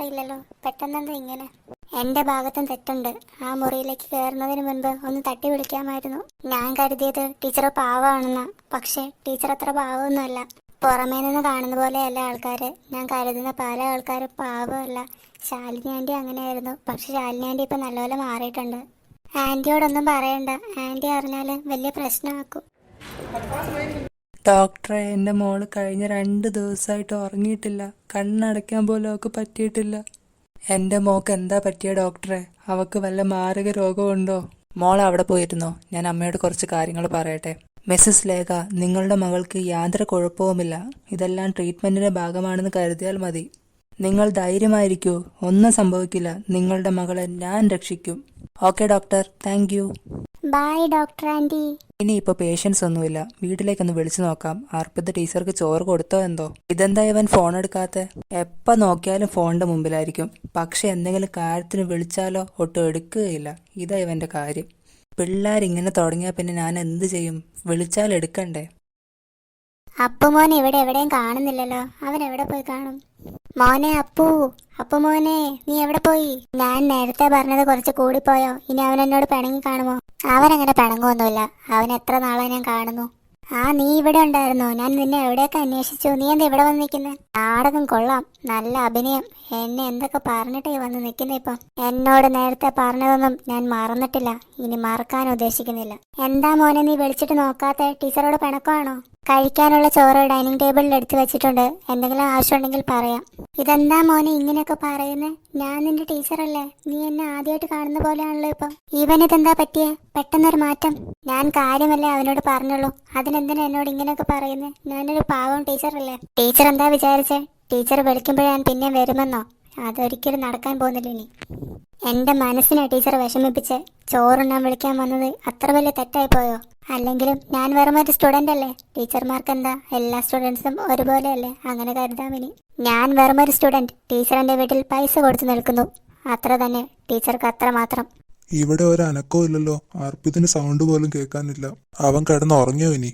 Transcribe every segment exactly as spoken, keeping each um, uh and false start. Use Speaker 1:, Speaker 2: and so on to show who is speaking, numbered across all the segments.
Speaker 1: അറിയില്ലല്ലോ, പെട്ടെന്നെന്താ ഇങ്ങനെ? എന്റെ ഭാഗത്തും തെറ്റുണ്ട്. ആ മുറിയിലേക്ക് കയറുന്നതിന് മുൻപ് ഒന്ന് തട്ടി വിളിക്കാമായിരുന്നു. ഞാൻ കരുതിയത് ടീച്ചർ പാവമാണെന്നാ, പക്ഷെ ടീച്ചർ അത്ര പാവമൊന്നുമല്ല. പുറമേ നിന്ന് കാണുന്ന പോലെയല്ല ആൾക്കാര്. ഞാൻ കരുതുന്ന പല ആൾക്കാരും പാവമല്ല. ശാലിനി ആന്റി അങ്ങനെയായിരുന്നു, പക്ഷെ ശാലിനി ആന്റി ഇപ്പൊ നല്ലപോലെ മാറിയിട്ടുണ്ട്. ആന്റിയോടൊന്നും പറയണ്ട, ആന്റി അറിഞ്ഞാല് വലിയ പ്രശ്നമാക്കും.
Speaker 2: ഡോക്ടറെ, എൻ്റെ മോള് കഴിഞ്ഞ രണ്ട് ദിവസമായിട്ട് ഉറങ്ങിയിട്ടില്ല. കണ്ണടയ്ക്കാൻ പോലും അവൾക്ക് പറ്റിയിട്ടില്ല. എൻ്റെ മോൾക്ക് എന്താ പറ്റിയ ഡോക്ടറെ? അവൾക്ക് വല്ല മാരക രോഗമുണ്ടോ? മോൾ അവിടെ പോയിരുന്നോ? ഞാൻ അമ്മയോട് കുറച്ച് കാര്യങ്ങൾ പറയട്ടെ. മിസ്സസ് ലേഖ, നിങ്ങളുടെ മകൾക്ക് യാതൊരു കുഴപ്പവുമില്ല. ഇതെല്ലാം ട്രീറ്റ്മെന്റിന്റെ ഭാഗമാണെന്ന് കരുതിയാൽ മതി. നിങ്ങൾ ധൈര്യമായിരിക്കൂ, ഒന്നും സംഭവിക്കില്ല. നിങ്ങളുടെ മകളെ ഞാൻ രക്ഷിക്കും. Okay doctor, thank you.
Speaker 1: Bye doctor aunty.
Speaker 2: ഇനിയിപ്പോ പേഷ്യൻസ് ഒന്നുമില്ല, വീട്ടിലേക്കൊന്ന് വിളിച്ചു നോക്കാം. അർപ്പിത ടീച്ചർക്ക് ചോറ് കൊടുത്തോ എന്തോ? ഇതെന്താ ഇവൻ ഫോൺ എടുക്കാത്തെ? എപ്പ നോക്കിയാലും ഫോണിന്റെ മുമ്പിലായിരിക്കും. പക്ഷെ എന്തെങ്കിലും കാര്യത്തിന് വിളിച്ചാലോ ഒട്ടും എടുക്കുകയില്ല. ഇതാ ഇവന്റെ കാര്യം. പിള്ളേരിങ്ങനെ തുടങ്ങിയാൽ പിന്നെ ഞാൻ എന്ത് ചെയ്യും? വിളിച്ചാൽ എടുക്കണ്ടേ?
Speaker 1: അപ്പു മോനെ ഇവിടെ എവിടെയും കാണുന്നില്ലല്ലോ. അവൻ എവിടെ പോയി കാണും? മോനെ അപ്പു, അപ്പു മോനെ, നീ എവിടെ പോയി? ഞാൻ നേരത്തെ പറഞ്ഞത് കുറച്ച് കൂടിപ്പോയോ? ഇനി അവൻ എന്നോട് പിണങ്ങി കാണുമോ? അവനങ്ങനെ പിണങ്ങുമൊന്നുമില്ല. അവൻ എത്ര നാളെ ഞാൻ കാണുന്നു. ആ, നീ ഇവിടെ ഉണ്ടായിരുന്നോ? ഞാൻ നിന്നെ എവിടെയൊക്കെ അന്വേഷിച്ചു. നീ എന്താ ഇവിടെ വന്ന് നിൽക്കുന്നത്? നാടകം കൊള്ളാം, നല്ല അഭിനയം. എന്നെ എന്തൊക്കെ പറഞ്ഞിട്ടേ വന്ന് നിൽക്കുന്ന ഇപ്പം. എന്നോട് നേരത്തെ പറഞ്ഞതൊന്നും ഞാൻ മറന്നിട്ടില്ല, ഇനി മറക്കാൻ ഉദ്ദേശിക്കുന്നില്ല. എന്താ മോനെ നീ വിളിച്ചിട്ട് നോക്കാത്തെ? ടീച്ചറോട് പിണക്കമാണോ? കഴിക്കാനുള്ള ചോറ് ഡൈനിങ് ടേബിളിൽ എടുത്തു വെച്ചിട്ടുണ്ട്, എന്തെങ്കിലും ആവശ്യമുണ്ടെങ്കിൽ പറയാം. ഇതെന്താ മോനെ ഇങ്ങനെയൊക്കെ പറയുന്നേ? ഞാൻ നിന്റെ ടീച്ചറല്ലേ? നീ എന്നെ ആദ്യമായിട്ട് കാണുന്ന പോലെയാണല്ലോ ഇപ്പം. ഇവനിതെന്താ പറ്റിയേ? പെട്ടെന്നൊരു മാറ്റം. ഞാൻ കാര്യമല്ലേ അവനോട് പറഞ്ഞുള്ളൂ, അതിനെന്തിനാ എന്നോട് ഇങ്ങനെയൊക്കെ പറയുന്നേ? ഞാനൊരു പാവം ടീച്ചറല്ലേ? ടീച്ചർ എന്താ വിചാരിച്ചേ? ടീച്ചർ വിളിക്കുമ്പോഴേ ഞാൻ പിന്നെ വരുമെന്നോ? അതൊരിക്കലും നടക്കാൻ പോകുന്നില്ല ഇനി. എന്റെ മനസ്സിനെ ടീച്ചർ വിഷമിപ്പിച്ച് ചോറുണ്ണാൻ വിളിക്കാൻ വന്നത് അത്ര വലിയ തെറ്റായി പോയോ? അല്ലെങ്കിലും ഞാൻ വെറും ഒരു സ്റ്റുഡന്റ് അല്ലേ? ടീച്ചർമാർക്ക് എന്താ, എല്ലാ സ്റ്റുഡൻസും ഒരുപോലെയല്ലേ? അങ്ങനെ കരുതാം ഇനി. ഞാൻ വെറും ഒരു സ്റ്റുഡന്റ്, ടീച്ചർ എന്റെ വീട്ടിൽ പൈസ കൊടുത്തു നിൽക്കുന്നു, അത്ര തന്നെ. ടീച്ചർക്ക് അത്ര മാത്രം.
Speaker 3: ഇവിടെ ഒരു അനക്കവും ഇല്ലല്ലോ. അർപ്പിതിന് സൗണ്ട് പോലും കേൾക്കാനില്ല. അവൻ കിടന്ന് ഉറങ്ങിയോ ഇനി?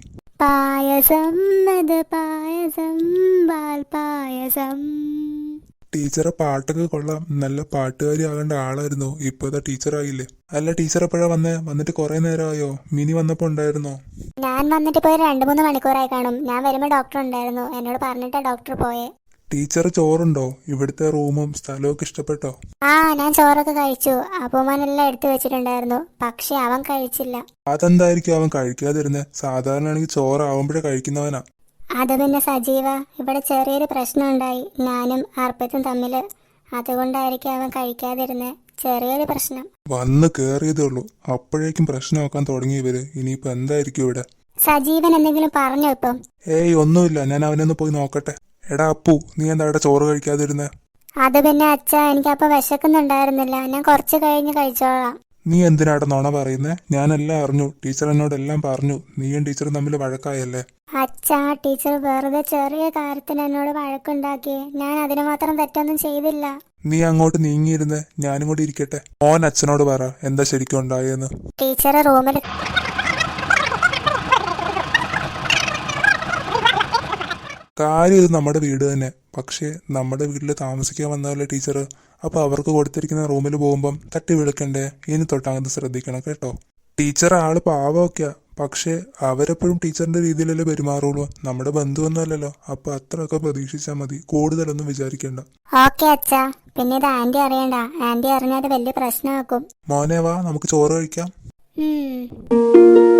Speaker 1: പായസം അത് പായസം, പാൽ പായസം.
Speaker 3: ടീച്ചറെ പാട്ടൊക്കെ കൊള്ളാം, നല്ല പാട്ടുകാരി ആകേണ്ട ആളായിരുന്നു. ഇപ്പോഴത്തെ ടീച്ചറായില്ലേ? അല്ല, ടീച്ചർ എപ്പോഴാ വന്നേ? വന്നിട്ട് കുറെ നേരമായോ? മിനി വന്നപ്പോ ഉണ്ടായിരുന്നോ?
Speaker 1: ഞാൻ വന്നിട്ട് പോയി രണ്ടു മൂന്ന് മണിക്കൂറായി കാണും. ഞാൻ വരുമ്പോ ഡോക്ടർ ഉണ്ടായിരുന്നു, എന്നോട് പറഞ്ഞിട്ടാ ഡോക്ടർ പോയേ.
Speaker 3: ടീച്ചർ ചോറുണ്ടോ? ഇവിടുത്തെ റൂമും സ്ഥലമൊക്കെ ഇഷ്ടപ്പെട്ടോ?
Speaker 1: ആ, ഞാൻ ചോറൊക്കെ കഴിച്ചു. അപ്പൂമാനെല്ലാം എടുത്തു വെച്ചിട്ടുണ്ടായിരുന്നു, പക്ഷെ അവൻ കഴിച്ചില്ല.
Speaker 3: അതെന്തായിരിക്കും അവൻ കഴിക്കാതിരുന്നേ? സാധാരണ ആണെങ്കിൽ ചോറാവുമ്പോഴേ കഴിക്കുന്നവനാ.
Speaker 1: അത് പിന്നെ സജീവ, ഇവിടെ ചെറിയൊരു പ്രശ്നം ഉണ്ടായി ഞാനും അർപ്പിതും തമ്മില്. അതുകൊണ്ടായിരിക്കും അവൻ കഴിക്കാതിരുന്നേ. ചെറിയൊരു പ്രശ്നം.
Speaker 3: വന്ന് കേറിയതേ ഉള്ളൂ, അപ്പോഴേക്കും പ്രശ്നമാക്കാൻ തുടങ്ങി ഇവര്. ഇനിയിപ്പോ എന്തായിരിക്കും ഇവിടെ?
Speaker 1: സജീവൻ എന്തെങ്കിലും പറഞ്ഞോ ഇപ്പം?
Speaker 3: ഏയ് ഒന്നുമില്ല, ഞാൻ അവനൊന്ന് പോയി നോക്കട്ടെ. എടാ അപ്പു, നീ എന്താ ഇവിടെ ചോറ് കഴിക്കാതിരുന്നേ?
Speaker 1: അത് പിന്നെ അച്ഛാ, എനിക്കപ്പൊ വിശക്കുന്നുണ്ടായിരുന്നില്ല, ഞാൻ കുറച്ച് കഴിഞ്ഞ് കഴിച്ചോളാം.
Speaker 3: നീ എന്തിനാടെ നുണ പറയുന്നേ? ഞാനെല്ലാം അറിഞ്ഞു, ടീച്ചർ എന്നോട് എല്ലാം പറഞ്ഞു. നീയും ടീച്ചറും തമ്മിൽ വഴക്കായല്ലേ?
Speaker 1: അച്ഛാ, ടീച്ചർ വെറുതെ ചെറിയ കാര്യത്തിന് എന്നോട് വഴക്കുണ്ടാക്കി. ഞാൻ അതിന് മാത്രം തെറ്റൊന്നും ചെയ്തില്ല.
Speaker 3: നീ അങ്ങോട്ട് നീങ്ങിയിരുന്നേ, ഞാനും കൂടി ഇരിക്കട്ടെ. മോൻ അച്ഛനോട് പറ എന്താ ശരിക്കും ഉണ്ടായെന്ന്.
Speaker 1: ടീച്ചർ റൂമിൽ
Speaker 3: കാര്യം ഇത് നമ്മുടെ വീട് തന്നെ, പക്ഷെ നമ്മുടെ വീട്ടിൽ താമസിക്കാൻ വന്നാലേ ടീച്ചർ. അപ്പൊ അവർക്ക് കൊടുത്തിരിക്കുന്ന റൂമിൽ പോകുമ്പം തട്ടി വിളിക്കണ്ടേ? ഇനി തൊട്ടങ്ങത് ശ്രദ്ധിക്കണം കേട്ടോ. ടീച്ചർ ആള് പാവമൊക്കെയാ, പക്ഷെ അവരെപ്പോഴും ടീച്ചറിന്റെ രീതിയിലല്ലേ പെരുമാറുള്ളൂ. നമ്മുടെ ബന്ധുവൊന്നുമല്ലല്ലോ, അപ്പൊ അത്രയൊക്കെ പ്രതീക്ഷിച്ചാൽ മതി, കൂടുതലൊന്നും വിചാരിക്കണ്ട.
Speaker 1: ഓക്കെ അച്ഛാ. പിന്നെ ഇത് ആന്റി അറിയണ്ട, ആന്റി അറിഞ്ഞാൽ വലിയ പ്രശ്നമാക്കും.
Speaker 3: മോനെ വാ, നമുക്ക് ചോറ് കഴിക്കാം.
Speaker 1: ഉം